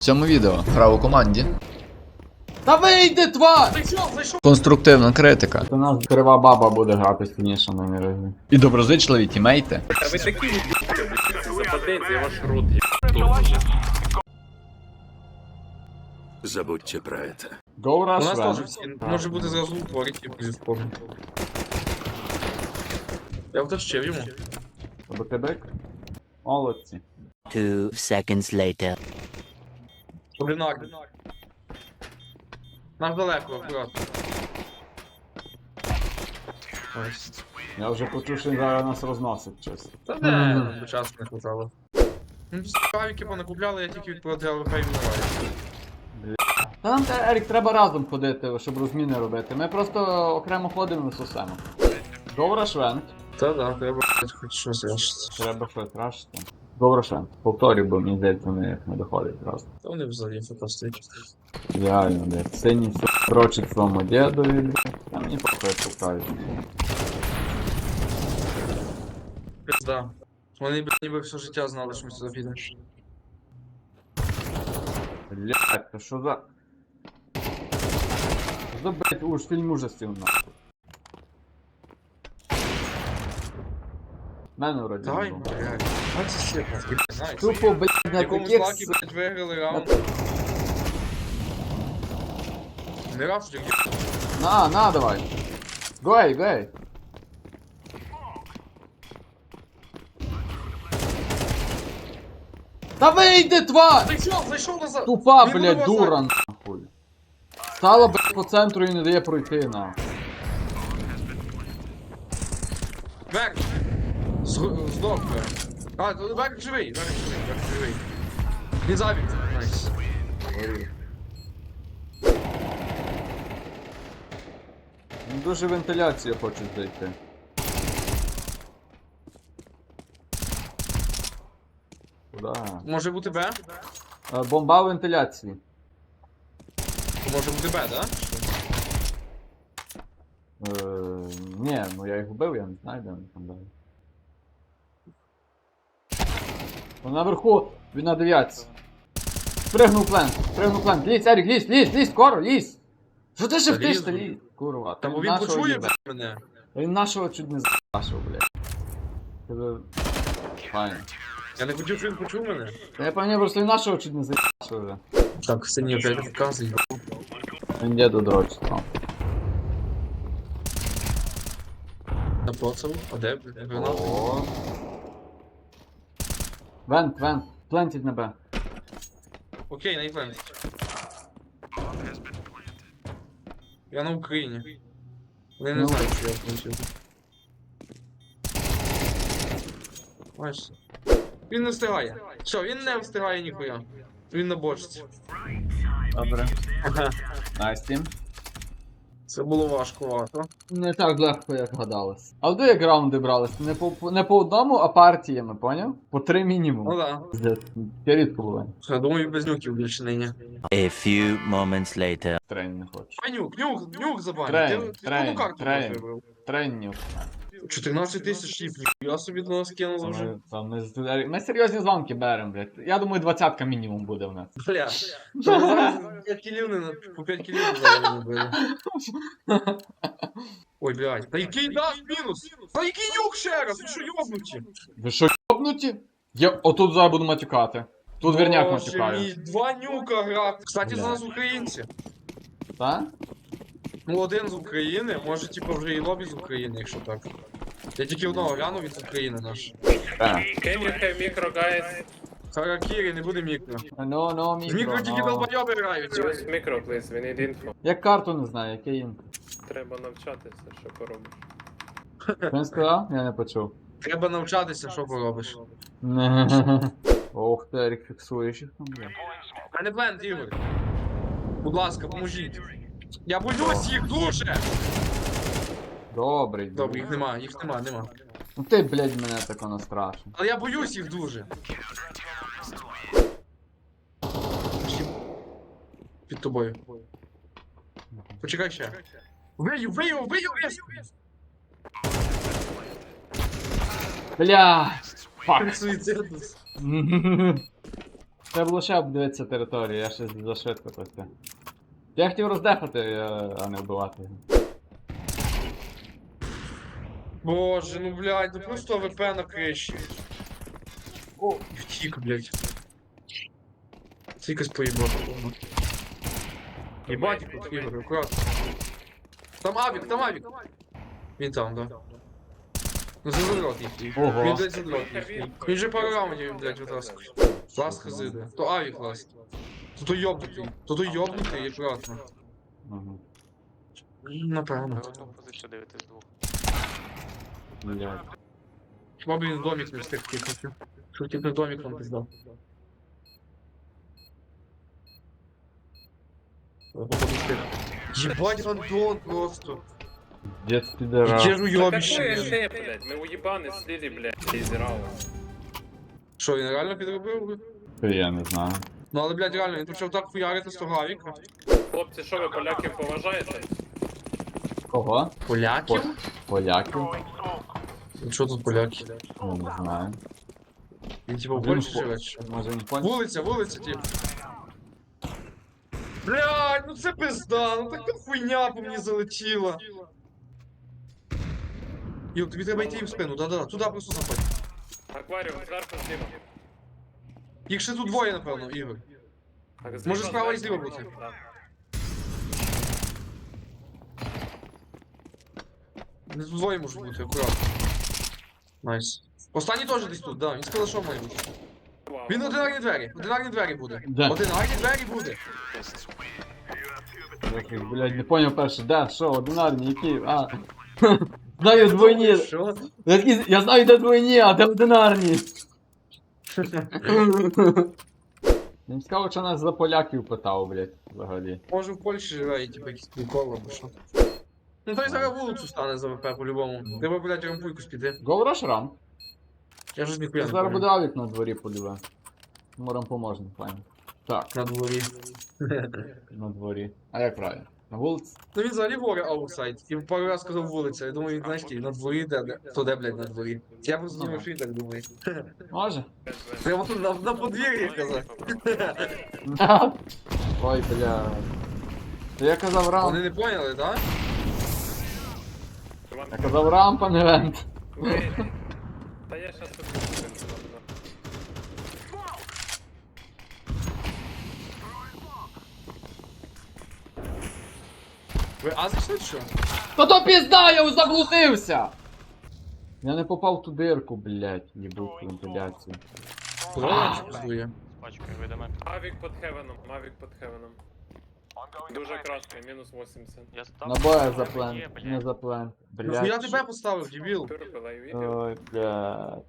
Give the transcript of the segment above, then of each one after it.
В цьому відео гра у команді. Та вийди, тварь! Конструктивна критика. У нас крива баба буде грати сильніше на міражі. І доброзичливі тімейти. А ви такі западете, ваш рот Забудьте про это. Go У нас Rush теж всі, може бути зразу утворить, як зі спомню. Я втащив йому. БКДК? Молодці. 2 seconds later. Блінар. Наш далеко, акуратно. Ось. Я вже почув, що він зараз нас розносить щось. Та де, нам би часу не хватало. Ну, справіки понакупляли, я тільки відправляв хай вмирає. Та нам, Ерік, треба разом ходити, щоб розміни робити. Ми просто окремо ходимо і сусемо. Go Rush Vent. Та да, треба хоч щось решити. Треба щось рашити. Go Rush Vent. Повторюю, бо мені здається, вони не доходять просто. Та вони взагалі фантастичні. Реально, блядь. Синій все дрочить своєму дідові, блядь. А мені похуй покажуть. Пизда. Вони б ніби все життя знали, що ми сюди підемо. Блядь, то що за... Що за, блядь, уж фільм ужасів, нахуй. Мене вроді не Давай, було. блядь. А це сіпа, знаєш. Тупо, блядь, В на якомусь таких... лакі, блядь, виграли раунд. Не раз, що На, давай. Гой. Та вийди, тварь! Зайшов назад! Тупа, Він блядь, буде дура, нахуй. Стала, блядь, по центру і не дає пройти, нахуй. Верк! Здох, Верк. А, Верк живий, Верк живий. Він забіг. Найс. Він дуже вентиляцію хоче зайти. Куда? Може бути Б? Бомба вентиляції. Може бути Б, да? Ні, ну я їх вбив, я не знаю, де вони там далі. Он наверху, він на 9. Спригнув плент. Лізь, Ерік, лізь, скоро, лізь! Що ти ще втиш, лізу. лізь? Курва, Та бо він почує мене. Він нашого чуть не з***шив, блядь. Тебе... Файно. Я не хотів, щоб він почув мене. Та я пам'ятаю, просто він нашого чуть не з***шив вже. Так, сині опять відказує. Він діду дрочить там. Напоцав. А де? Гранат? О. Вент. Плентить на Б. Окей, на івент. Я на Україні. Вони не Ну. знають, що я включив. Бачиш? Він не встигає. Що, він не встигає ніхуя. Він на бочці. Добре. Найс тім. Це було важкувато. Не так легко, як гадалось. А де як раунди брались? Не по одному, а партіями, поняв? По 3 мінімум. Ну да. Я рідко було. Я думаю, без нюків більше нині. A few moments later. Трейн не хочу. А нюк забанив. Трейн, Ти одну карту трейн. вибрав. Трейн 14 тисяч ліпів. Я собі до нас кинув вже. Ми серйозні звонки беремо, блядь. Я думаю, 20-ка мінімум буде в нас. Бля. Та ми зараз 5 кілів по 5 кілів зараз не били. Ой, блядь. Та який даш мінус? Та який нюк ще раз? Ви що йобнуті? Ви що, йобнуті? Я отут зараз буду матюкати. Тут верняк Боже матюкаю. мій, 2 нюка грав. Кстати, Бля. за нас українці. Так? Ну, один з України, може, типу, вже і лобі з України, якщо так. Я тільки одного глянув, він з України наш. Так. Can you have micro, guys? Харакірі, не буде мікро. Ну, З мікро тільки no. долбойоби грають. Use micro, please, we need info. Я карту не знаю, яке їм. Треба навчатися, що поробиш. Він сказав? Я не почув. Треба навчатися, що поробиш. Ох ти, Ерік, фіксуєш їх там, бля. У мене бленд, Ігор. Будь ласка, поможіть. Я боюсь їх дуже! Добрий. Добре, їх нема. Ну ти, блядь, мене так воно страшно. Але я боюсь їх дуже. Під тобою. Почекай ще. Вбию! Бля! Фак. Суїцидус. Треба було ще обдивитися територію, я ще зашвидко просто. Я хотів роздефати, а не вбивати. Боже, ну блядь, ну просто АВП на криші. О, втік, блядь. Це якось поїбати. Єбать, тут Ігор, аккуратно. Там авік, там авік. Він там, да. Ну це задрот їхній. Ого. Він, блядь, задрот їхній. Він же пару раундів, блядь, витаскує. Ласт хазиде. То авік ласт. То той йобнутий. То той йобнутий, аккуратно. Ага. Напевно. Позицію дивитись двох. Блядь. Хіба б він в домик не встиг кикнути. Що тільки в домик нам пиздав. Ебать, рандон просто. Дед підера. Яке ж Да уйобище, какое блядь. НТ, блядь? Мы уебаны слили, блядь, из раунд. Що, він реально підробив? Я не знаю. Ну але, блядь, реально, він почав так хуярити з того авіка. Хлопці, що ви поляків поважаєте? Кого? Поляків? Поляків? Що тут поляки? Я не знаю. Він типа в Він Польщі по- живе чи що? Може не понял? Вулиця, вулиця, тип. Блядь, ну це пизда, ну така хуйня по мені залетіла. Юр, тобі треба йти їм в спину, да-да, туди просто заходь. Акваріум, зверху зліва. Їх ще тут двоє, напевно, Ігор. Так, Може, справа і зверху. зліва бути? Да. Не тут двоє можуть бути, акуратно. Найс. Останній теж десь тут, да, він сказав, що має бути. Вау. Він одинарні двері буде. Де? Одинарні двері буде. Блядь, не понял перше, де, що, одинарні, які, а. Знаю двойні. Що? Я знаю, де двойні, а де одинарні. Він сказав, що нас за поляків питав, блядь, взагалі. Може в Польщі живе і типа якісь приколи або що. Ну той зараз вулицю стане за ВП по-любому. Треба, блядь, рампуйку спіти. Go rush run. Я ж ніхуя не Зараз буде пам'ятаю. авік на дворі подиве. Морам поможемо, файно. Так, На дворі. на дворі. А як правильно? На вулиці? Ну він взагалі говорить аутсайд. І пару раз сказав вулиця. Я думаю, він знаєш, на дворі де. То де, блядь, на дворі. Я просто Ага. думаю, що він так думає. Може? Прямо тут на подвір'ї казав. Ой, бля. То я казав Вони рамп. не поняли, так? Я казав рамп, а не вент. Ви- Та я щас тут. Ви а зайшли чи що? То пізда, я заблудився! Я не попав в ту дирку, блядь, їбу вентиляцію. Куди він чи пиздує? З пачкою вийдемо. Авік під хевеном, авік під хевеном. Дуже красний, мінус 80. Я став. Набоя за плен, не за плен. Ну я Блядь. тебе поставив, дебіл. Турбила і відео. Ой, блядь.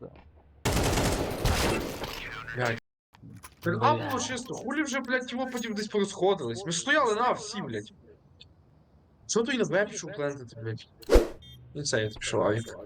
Блядь. Так а було чисто, хулі вже, блядь, його потім десь порозходились. Ми ж стояли на всі, блядь. Що то і на Б пішов плентити, блядь. І це я пішов авік.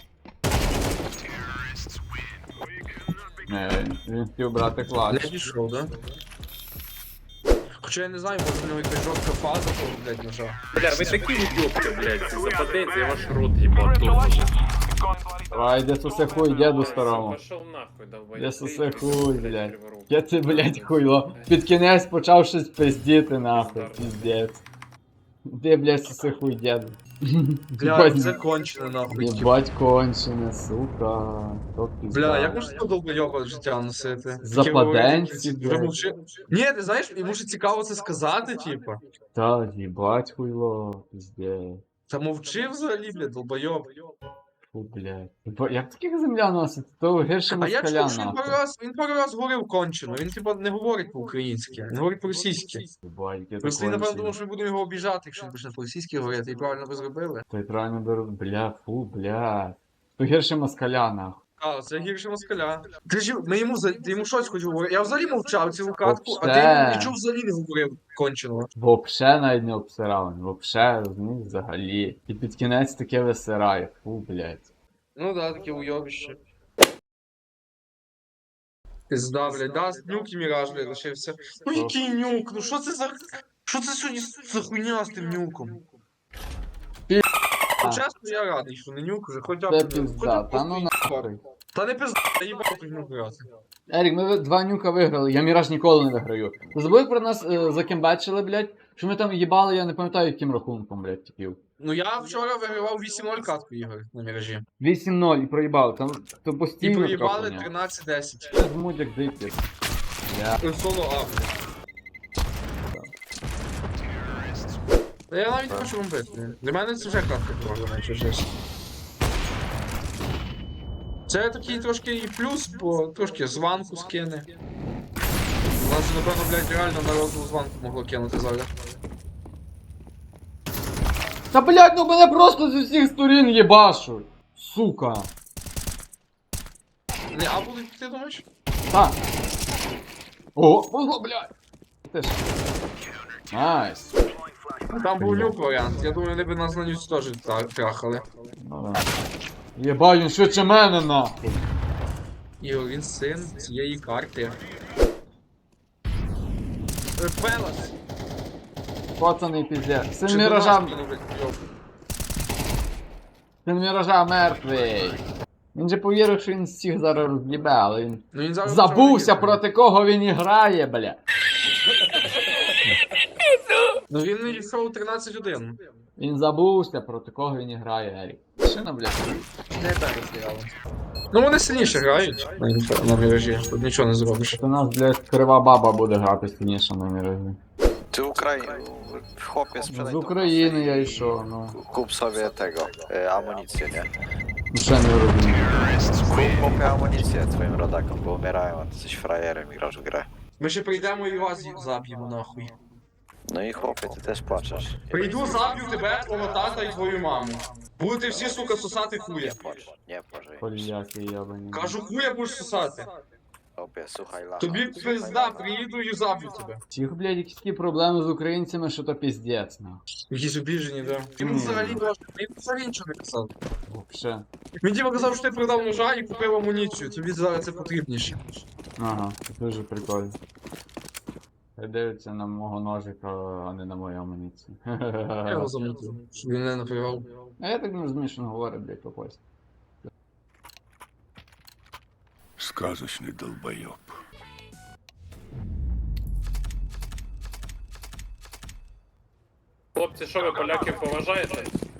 Не, він хотів брати Не клач. пішов, да? Хоча я не знаю, може в нього якась жорстка фаза, того, блядь, ножа. Бля, ви такі уйобки, блядь, западете, я ваш рот їбать тут. Ай, де сусе хуй, діду старому. Пошел нахуй, долбоёб. Я Ти сусе якийсь, хуй, блядь, блядь. криворукий. Я це, блядь, хуйло. Під кінець почав щось пиздіти, нахуй, піздець. Де, блядь, сусе хуй, діду. Блядь, це кончено, нахуй. Єбать кончене, сука. То пізда. Бля, як можна такого долбойоба життя носити? Западенці, Таке блядь. говорить, Ні, ти знаєш, йому ж цікаво це сказати, типа. Та, їбать хуйло, піздець. Та мовчи взагалі, блядь, долбойоб. Фу, блядь. Як таких земля носить? То гірше А я москаля, чув, що він пару раз говорив кончено. Він, типа, не говорить по-українськи, він говорить по-російськи. Єбать, яке Просто він, напевно, кончене. думав, що ми будемо його обіжати, якщо він почне по-російськи говорити, і правильно ви зробили. Той правильно беру, бля, фу, бля. То гірше москаля, нахуй. А, це гірше москаля. Ти ж ти йому щось хоч говорив. Я взагалі мовчав цілу катку, а ти Вообще. йому нічого взагалі не говорив конченого. Вообще навіть не обсирав, вообще, розумієш, взагалі. І під кінець таке висирає, фу, блядь. Ну да, таке уйобище. Пизда, блядь, да, нюк і міраж, блядь, лишився. Ну який нюк? Ну що це за... Що це сьогодні за хуйня з тим нюком? чесно, я радий, що не нюк вже, хоча Це б... пізда, та ну нахуй. Та не пизда, я їбав тут нюк грати. Ерік, ми два нюка виграли, я Міраж ніколи не виграю. Ти забув, як про нас закембачили, блядь? Що ми там їбали, я не пам'ятаю, яким рахунком, блядь, типів. Ну я вчора вигравав 8-0 катку ігор на міражі. 8-0 і проїбали, там то І постійно проїбали трохи. 13-10. Це змуть як дикий. Я... Соло А, блядь. Та я навіть не хочу бомбити. Для мене це вже катка програма, якщо чесно. Це такий трошки і плюс, бо трошки званку скине. У нас, напевно, блядь, реально народну званку могло кинути зараз. Та блядь, ну мене просто з усіх сторін їбашуть. Сука. Не, а будуть, ти думаєш? Так. О, блядь. Ти ж. Найс. Там був люк варіант, я думаю, вони б нас на нюць теж трахали. Ну да. Єбать, він швидше мене нахуй. Ігор, він син цієї карти. Пелас! Пацаний піздець. Син Чи Міража, до нас кинули, йоп. син Міража мертвий. Він же повірив, що він всіх зараз роз'їбе, але він Ну, він зараз забувся вже проти кого він і грає, бля. Ну він не йшов 13-1. Він забувся проти кого він і грає, Ерік. Шина, блядь. Не так розіграли. Ну вони сильніше грають на міражі, тут нічого не зробиш. У нас, блядь, крива баба буде грати сильніше на Міражі. Ty w chłopie sprzedaj З України я йшов, ну. Kup sobie tego, amunicję, nie? Ну, ще не розумію. Kup chłopie amunicję twoim rodakom, bo umierają, a ty jesteś frajerem i grasz w grę. Ми ще прийдемо і вас заб'ємо нахуй. No i chłopie, ty też płaczesz. Прийду, заб'ю тебе, твого тата і твою маму. Будете всі, сука, сосати хуя. Nie płacz, ej. Поліяки ябані. Кажу, хуя будеш сосати. Chłopie, słuchaj lacha. Тобі пизда, приїду і заб'ю тебе. Всіх, блядь, якісь такі проблеми з українцями, що то піздець, ну. Якісь обіжені, да. Він взагалі нічого не казав. Вообще. Він типу казав, що ти продав ножа і купив амуніцію, тобі зараз це потрібніше. Ага, це дуже прикольно. Хай дивиться на мого ножика, а не на мою амуніцію. Я його замутив, щоб він не напивав. А я так не розумію, що він говорить, блядь, по-польськи. Сказочный долбоеб. Хлопці, що ви поляків поважаєте?